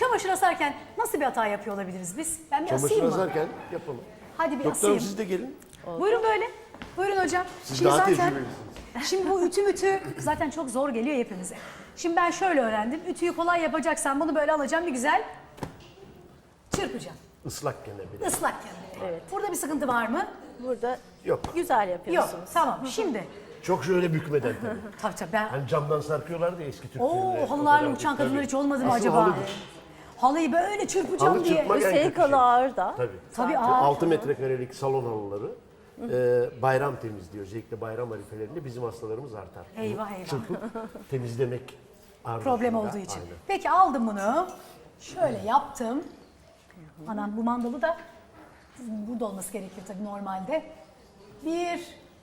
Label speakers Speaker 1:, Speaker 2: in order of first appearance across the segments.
Speaker 1: çamaşır asarken nasıl bir hata yapıyor olabiliriz biz? Ben bir
Speaker 2: Çamaşır
Speaker 1: asayım mı?
Speaker 2: asarken yapalım.
Speaker 1: Hadi bir
Speaker 2: Doktorum
Speaker 1: asayım.
Speaker 2: siz de gelin.
Speaker 1: Buyurun böyle. Buyurun hocam.
Speaker 2: Siz daha tecrübelisiniz.
Speaker 1: Şimdi bu ütü zaten çok zor geliyor hepimize. Şimdi ben şöyle öğrendim. Ütüyü kolay yapacaksan bunu böyle alacağım, bir güzel çırpacağım.
Speaker 2: Islak gene bile.
Speaker 1: Islakken. Evet. Burada bir sıkıntı var mı?
Speaker 3: Burada
Speaker 2: Yok.
Speaker 3: güzel
Speaker 1: Yok.
Speaker 3: yapıyorsunuz.
Speaker 1: Tamam. Şimdi.
Speaker 2: Çok şöyle bükmeden tabii.
Speaker 1: Tabii ben.
Speaker 2: Hani camdan sarkıyorlardı ya eski Türk filmlerinde.
Speaker 1: Oo, halılarla
Speaker 2: O kadar
Speaker 1: uçan
Speaker 2: değil,
Speaker 1: kadınlar
Speaker 2: tabii.
Speaker 1: hiç olmadı mı
Speaker 2: Asıl
Speaker 1: acaba?
Speaker 2: halıdır.
Speaker 1: Halıyı böyle çırpacağım
Speaker 2: Halı
Speaker 1: diye.
Speaker 2: çırpmak en kötü
Speaker 3: Üstelik
Speaker 2: şey.
Speaker 3: halı ağır da.
Speaker 2: Tabii.
Speaker 1: Tabii ağır.
Speaker 2: 6 metrekarelik salon halıları bayram temizliği, özellikle bayram arifelerinde bizim hastalarımız artar.
Speaker 1: Eyvah eyvah.
Speaker 2: Çırpıp temizlemek
Speaker 1: Problem
Speaker 2: ardışında.
Speaker 1: olduğu için.
Speaker 2: Aynen.
Speaker 1: Peki aldım bunu. Şöyle yaptım. Anam bu mandalı da burada olması gerekir tabii normalde. 1,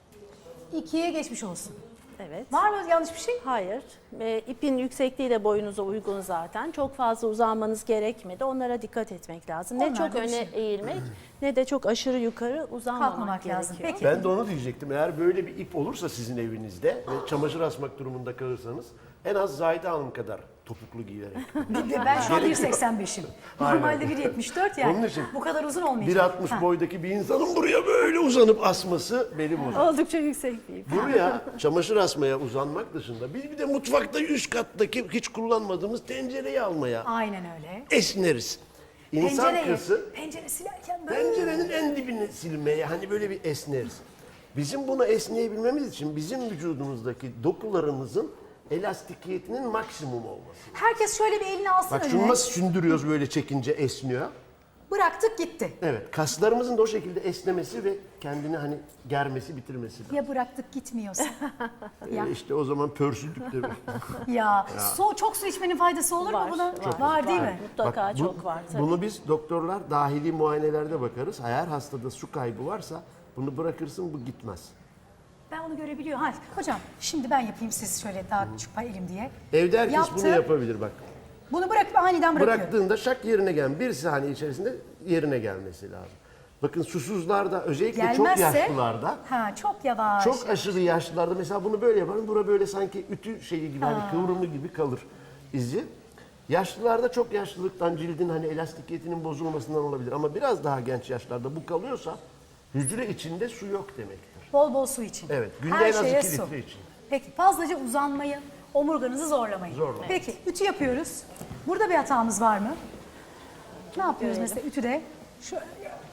Speaker 1: 2 geçmiş olsun.
Speaker 3: Evet.
Speaker 1: Var mı yanlış bir şey?
Speaker 3: Hayır. İpin yüksekliği de boyunuza uygun zaten. Çok fazla uzanmanız gerekmedi. Onlara dikkat etmek lazım. Ne
Speaker 1: Onlar
Speaker 3: çok
Speaker 1: da bir
Speaker 3: öne
Speaker 1: şey.
Speaker 3: eğilmek ne de çok aşırı yukarı uzanmamak
Speaker 1: Kalkmamak
Speaker 3: gerekiyor.
Speaker 1: lazım. Peki.
Speaker 2: Ben de onu diyecektim. Eğer böyle bir ip olursa sizin evinizde ve çamaşır asmak durumunda kalırsanız en az Zahide Hanım kadar topuklu giyerek.
Speaker 1: Ben şu an
Speaker 2: Gerek yok.
Speaker 1: 1.85'im.
Speaker 2: Aynen.
Speaker 1: Normalde 1.74 yani.
Speaker 2: Onun için
Speaker 1: Bu kadar uzun olmayacak.
Speaker 2: 1.60
Speaker 1: Ha.
Speaker 2: boydaki bir insanın buraya böyle uzanıp asması beni bozar.
Speaker 3: Oldukça yüksek bir ip.
Speaker 2: Buraya çamaşır asmaya uzanmak dışında bir de mutfakta üst kattaki hiç kullanmadığımız tencereyi almaya
Speaker 1: Aynen öyle.
Speaker 2: esneriz. İnsan kızı
Speaker 1: pencere silerken böyle.
Speaker 2: pencerenin en dibini silmeye hani böyle bir esneriz. Bizim bunu esneyebilmemiz için bizim vücudumuzdaki dokularımızın elastikiyetinin maksimum olması.
Speaker 1: Herkes şöyle bir elini alsın
Speaker 2: Bak
Speaker 1: önüne.
Speaker 2: şunu nasıl sündürüyoruz böyle çekince esniyor.
Speaker 1: Bıraktık gitti.
Speaker 2: Evet, kaslarımızın da o şekilde esnemesi ve kendini hani germesi, bitirmesi lazım.
Speaker 1: Ya bıraktık gitmiyorsa? Ya.
Speaker 2: İşte o zaman pörsüldük demek.
Speaker 1: Ya çok su içmenin faydası olur mu
Speaker 3: Var,
Speaker 1: buna?
Speaker 3: var.
Speaker 1: Var değil mi?
Speaker 3: Mutlaka
Speaker 2: Bak,
Speaker 3: çok var tabii.
Speaker 2: Bunu biz doktorlar dahili muayenelerde bakarız. Eğer hastada su kaybı varsa bunu bırakırsın bu gitmez.
Speaker 1: Ben onu görebiliyorum. Hadi hocam şimdi ben yapayım, siz şöyle daha küçük elim diye.
Speaker 2: Evde herkes
Speaker 1: Yaptım.
Speaker 2: bunu yapabilir bak.
Speaker 1: Bunu bırakıp aniden bırakıyorum.
Speaker 2: Bıraktığında şak yerine gel. Bir saniye içerisinde yerine gelmesi lazım. Bakın susuzlarda özellikle çok yaşlılarda
Speaker 1: çok yavaş.
Speaker 2: çok aşırı yaşlılarda mesela bunu böyle yaparım. Bura böyle sanki ütü şeyi gibi hani kıvrımı gibi kalır izi. Yaşlılarda çok yaşlılıktan cildin hani elastikiyetinin bozulmasından olabilir ama biraz daha genç yaşlarda bu kalıyorsa hücre içinde su yok demektir.
Speaker 1: Bol bol su için.
Speaker 2: Evet, günde
Speaker 1: Her
Speaker 2: en az
Speaker 1: şeye
Speaker 2: 2
Speaker 1: su.
Speaker 2: litre için.
Speaker 1: Peki fazlaca uzanmayın, omurganızı zorlamayın.
Speaker 2: Zorlamayın.
Speaker 1: Peki ütü yapıyoruz. Burada bir hatamız var mı? Ne yapıyoruz mesela ütüde? Şöyle.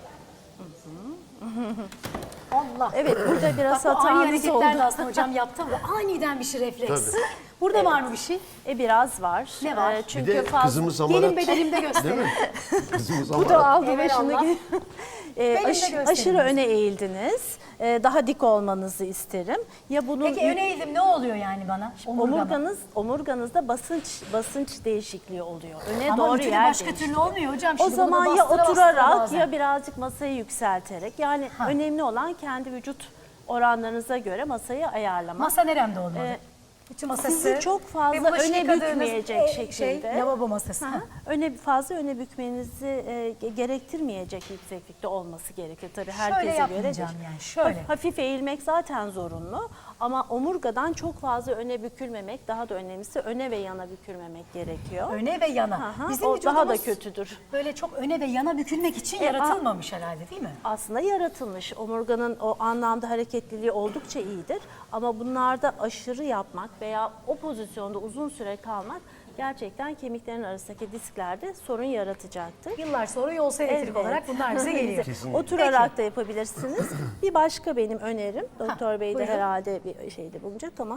Speaker 1: Allah.
Speaker 3: Evet, burada biraz
Speaker 1: Bak, bu ani
Speaker 3: hatamız
Speaker 1: hareketler de
Speaker 3: oldu.
Speaker 1: aslında hocam yaptı ama aniden bir şey refleks.
Speaker 2: Tabii.
Speaker 1: Burada var mı bir şey?
Speaker 3: Biraz var.
Speaker 1: Ne var?
Speaker 2: Bir
Speaker 3: Çünkü
Speaker 2: de
Speaker 3: fazla...
Speaker 2: kızımız Hamarat.
Speaker 1: Gelin bedenimde
Speaker 2: Değil
Speaker 1: gösterin.
Speaker 2: mi? Kızımız
Speaker 3: Bu da
Speaker 2: Hamarat.
Speaker 3: aldı
Speaker 1: Evelallah.
Speaker 3: başını.
Speaker 1: Benim de gösterin
Speaker 3: Aşırı
Speaker 1: bize.
Speaker 3: öne eğildiniz. Daha dik olmanızı isterim. Ya bunun
Speaker 1: Peki öne eğildim, ne oluyor yani bana? Omurgama.
Speaker 3: omurganızda basınç değişikliği oluyor. Öne
Speaker 1: Ama
Speaker 3: doğru
Speaker 1: ütüde
Speaker 3: yer
Speaker 1: başka
Speaker 3: değişikliği.
Speaker 1: türlü olmuyor hocam.
Speaker 3: O
Speaker 1: Şimdi bunu
Speaker 3: zaman ya
Speaker 1: bastıra bastıra
Speaker 3: oturarak
Speaker 1: bazen.
Speaker 3: ya birazcık masayı yükselterek, yani önemli olan kendi vücut oranlarınıza göre masayı ayarlamak.
Speaker 1: Masa neremde olmalı? Ütü masası.
Speaker 3: sizi çok fazla
Speaker 1: ve bulaşık
Speaker 3: öne
Speaker 1: yıkadığınız,
Speaker 3: bükmeyecek şekilde.
Speaker 1: lavabo masası.
Speaker 3: Ha, fazla öne bükmenizi gerektirmeyecek yükseklikte olması gerekir. Tabii herkese göre
Speaker 1: yapmayacağım
Speaker 3: değil.
Speaker 1: yani, şöyle.
Speaker 3: Hafif eğilmek zaten zorunlu ama omurgadan çok fazla öne bükülmemek, daha da önemlisi öne ve yana bükülmemek gerekiyor.
Speaker 1: Öne ve yana.
Speaker 3: Aha,
Speaker 1: Bizim
Speaker 3: o daha da
Speaker 1: vücudumuz
Speaker 3: kötüdür.
Speaker 1: böyle çok öne ve yana bükülmek için yaratılmamış herhalde, değil mi?
Speaker 3: Aslında yaratılmış. Omurganın o anlamda hareketliliği oldukça iyidir. Ama bunlarda aşırı yapmak veya o pozisyonda uzun süre kalmak gerçekten kemiklerin arasındaki disklerde sorun yaratacaktır.
Speaker 1: Yıllar sonra yol elektrik
Speaker 3: Evet.
Speaker 1: olarak bunlar bize geliyor.
Speaker 3: Oturarak da yapabilirsiniz. Bir başka benim önerim, Doktor Bey de
Speaker 1: buyurun.
Speaker 3: herhalde bir şeyde bulunacak ama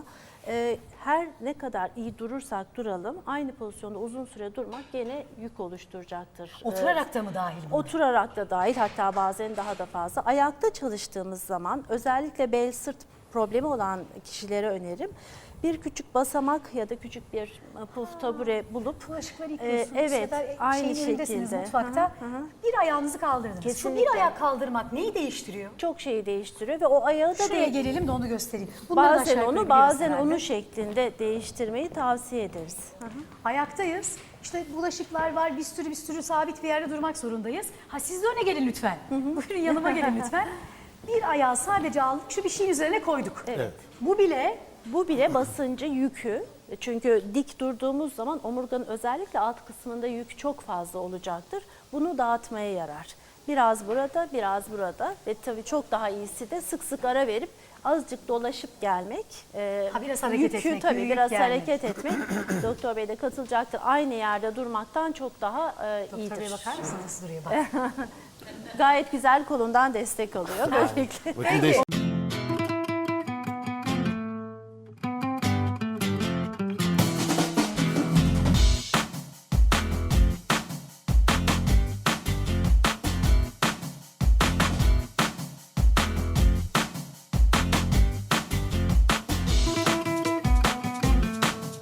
Speaker 3: her ne kadar iyi durursak duralım, aynı pozisyonda uzun süre durmak gene yük oluşturacaktır.
Speaker 1: Oturarak da mı dahil bu?
Speaker 3: Oturarak da dahil, hatta bazen daha da fazla. Ayakta çalıştığımız zaman özellikle bel sırt problemi olan kişilere önerim. Bir küçük basamak ya da küçük bir puf tabure bulup
Speaker 1: Bulaşıkları yıkıyorsunuz
Speaker 3: evet,
Speaker 1: ya da
Speaker 3: aynı
Speaker 1: şeyin önündesiniz
Speaker 3: şekilde.
Speaker 1: mutfakta.
Speaker 3: Hı hı.
Speaker 1: Bir ayağınızı kaldırdınız. Şu
Speaker 3: Kesinlikle.
Speaker 1: bir ayak kaldırmak neyi değiştiriyor?
Speaker 3: Çok şeyi değiştiriyor ve o ayağı da
Speaker 1: Şuraya gelelim de onu göstereyim. Bunları da
Speaker 3: bazen
Speaker 1: aşağı yukarı
Speaker 3: onu
Speaker 1: biliyoruz
Speaker 3: bazen
Speaker 1: herhalde.
Speaker 3: onu şeklinde değiştirmeyi tavsiye ederiz. Hı hı.
Speaker 1: Ayaktayız. İşte bulaşıklar var, bir sürü sabit bir yerde durmak zorundayız. Ha siz de öne gelin lütfen. Buyurun yanıma gelin lütfen. Bir ayağı sadece aldık, şu bir şeyin üzerine koyduk.
Speaker 3: Evet.
Speaker 1: Bu bile
Speaker 3: Bu bile basıncı, yükü. Çünkü dik durduğumuz zaman omurganın özellikle alt kısmında yük çok fazla olacaktır. Bunu dağıtmaya yarar. Biraz burada, biraz burada ve tabii çok daha iyisi de sık sık ara verip azıcık dolaşıp gelmek.
Speaker 1: Biraz hareket etmek,
Speaker 3: Tabii
Speaker 1: yürüyüp
Speaker 3: biraz
Speaker 1: gelmek.
Speaker 3: hareket etmek. Doktor Bey de katılacaktır. Aynı yerde durmaktan çok daha iyidir.
Speaker 1: Doktor Bey bakar mısınız? Nasıl duruyor bak.
Speaker 3: Gayet güzel kolundan destek alıyor böylelikle.
Speaker 2: Bakın